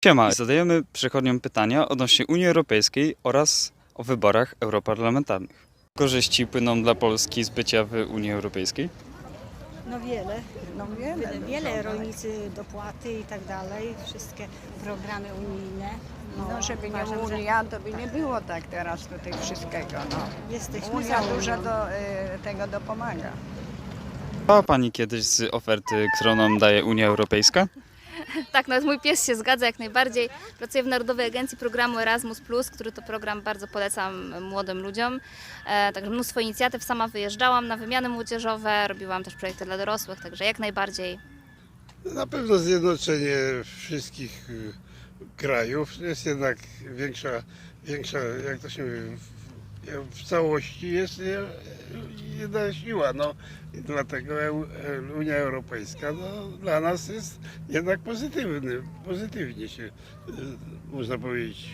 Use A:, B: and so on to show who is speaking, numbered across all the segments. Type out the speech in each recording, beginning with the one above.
A: Siema, zadajemy przechodniom pytania odnośnie Unii Europejskiej oraz o wyborach europarlamentarnych. Korzyści płyną dla Polski z bycia w Unii Europejskiej?
B: No wiele, rolnicy dopłaty i tak dalej, wszystkie programy unijne.
C: No, żeby nie
B: uważam, że
C: Unia, to by nie było tak teraz tutaj wszystkiego. No.
B: jesteśmy
C: Unia
B: za
C: dużo
B: Unią.
C: tego dopomaga.
A: Czytała Pani kiedyś z oferty, którą nam daje Unia Europejska?
D: Tak, nawet mój pies się zgadza jak najbardziej. Pracuję w Narodowej Agencji Programu Erasmus+, który to program bardzo polecam młodym ludziom. Także mnóstwo inicjatyw, sama wyjeżdżałam na wymiany młodzieżowe, robiłam też projekty dla dorosłych, także jak najbardziej.
E: Na pewno zjednoczenie wszystkich krajów jest jednak większa jak to się mówi, w całości jest jedna siła. No, i dlatego Unia Europejska dla nas jest jednak pozytywnie się, można powiedzieć,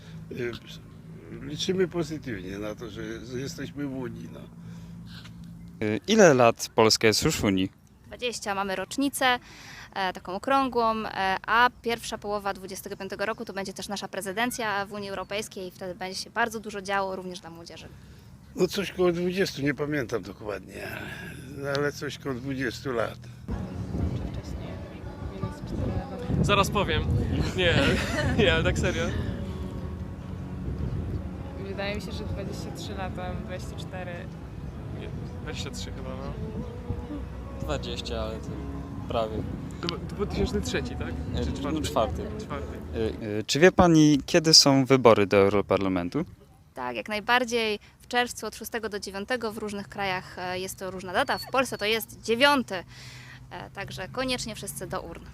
E: liczymy pozytywnie na to, że jesteśmy w Unii. No.
A: Ile lat Polska jest już w Unii?
D: 20 mamy rocznicę, taką okrągłą, a pierwsza połowa 25 roku to będzie też nasza prezydencja w Unii Europejskiej i wtedy będzie się bardzo dużo działo również dla młodzieży.
E: No coś koło 20, nie pamiętam dokładnie, ale coś koło 20 lat.
F: Zaraz powiem. Nie, ale tak serio.
G: Wydaje mi się, że 23 lata, 24.
F: Nie, 23 chyba, no.
A: 20, ale to prawie.
F: To był 2003, tak? Czy czwarty?
A: Czwarty.
F: Czwarty.
A: Czy wie Pani, kiedy są wybory do Europarlamentu?
D: Tak, jak najbardziej. W czerwcu od 6 do 9 w różnych krajach jest to różna data. W Polsce to jest 9. Także koniecznie wszyscy do urn.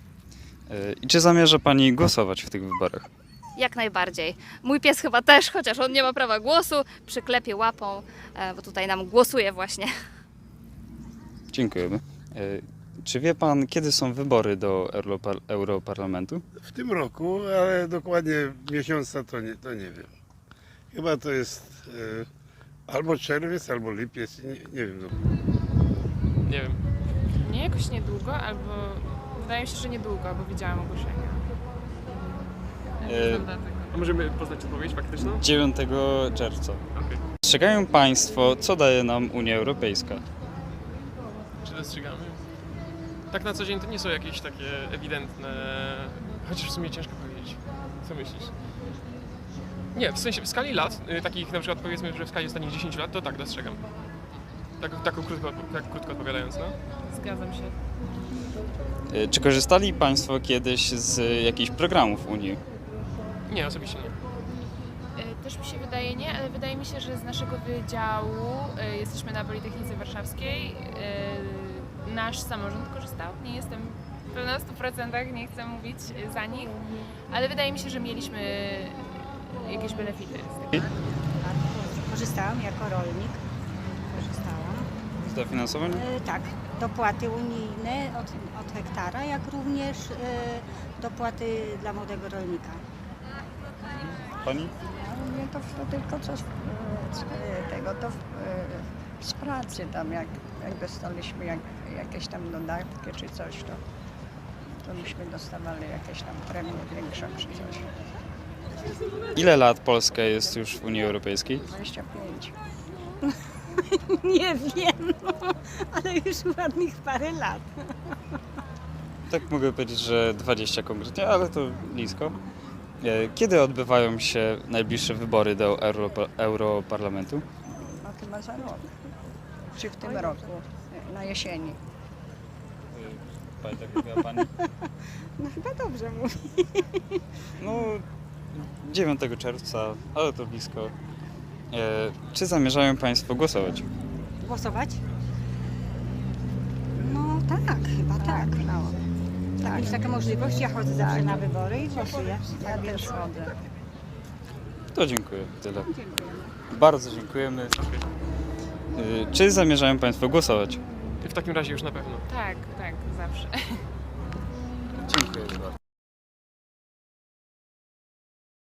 A: I czy zamierza Pani głosować w tych wyborach?
D: Jak najbardziej. Mój pies chyba też, chociaż on nie ma prawa głosu, przyklepie łapą, bo tutaj nam głosuje właśnie.
A: Dziękujemy. Czy wie Pan, kiedy są wybory do Europarlamentu?
E: W tym roku, ale dokładnie miesiąca to nie wiem. Chyba to jest albo czerwiec, albo lipiec, nie wiem.
F: Nie wiem.
G: Nie jakoś niedługo, albo wydaje mi się, że niedługo, bo widziałam ogłoszenia. Nie znam daty.
F: A możemy poznać odpowiedź faktyczną?
A: 9 czerwca.
F: Okej.
A: Dostrzegają Państwo, co daje nam Unia Europejska?
F: Czy dostrzegamy? Tak na co dzień to nie są jakieś takie ewidentne... Chociaż w sumie ciężko powiedzieć. Co myślisz? Nie, w sensie w skali lat, takich na przykład powiedzmy, że w skali ostatnich 10 lat, to tak dostrzegam. Tak krótko odpowiadając, no.
G: Zgadzam się.
A: Czy korzystali Państwo kiedyś z jakichś programów Unii?
F: Nie, osobiście nie.
G: Też mi się wydaje nie, ale wydaje mi się, że z naszego wydziału jesteśmy na Politechnice Warszawskiej. Nasz samorząd korzystał. Nie jestem pewna w 100%, nie chcę mówić za nich, ale wydaje mi się, że mieliśmy jakieś benefity z tego.
B: Korzystałam jako rolnik. Korzystałam.
A: Z dofinansowania?
B: Tak, dopłaty unijne od hektara, jak również dopłaty dla młodego rolnika.
A: Pani?
C: Nie to tylko co z pracy tam, jak dostaliśmy jakieś tam dodatki czy coś, to myśmy dostawali jakieś tam premię większą czy coś.
A: Ile lat Polska jest już w Unii Europejskiej?
C: 25.
B: Nie wiem, ale już ładnych parę lat.
A: Tak mogę powiedzieć, że 20 konkretnie, ale to blisko. Kiedy odbywają się najbliższe wybory do Europarlamentu?
C: No chyba za rok. Czy w tym roku, na jesieni.
A: Pani tak mówiła Pani?
B: No chyba dobrze mówię.
A: No, 9 czerwca, ale to blisko. Czy zamierzają Państwo głosować?
B: Głosować? No tak, chyba tak.
C: No.
B: Tak, jest taka możliwość, ja chodzę zawsze na wybory i głosuję.
C: Ja też chodzę.
A: To dziękuję, tyle. Bardzo dziękujemy. Czy zamierzają Państwo głosować?
F: W takim razie już na pewno.
G: Tak, zawsze.
A: Dziękuję bardzo.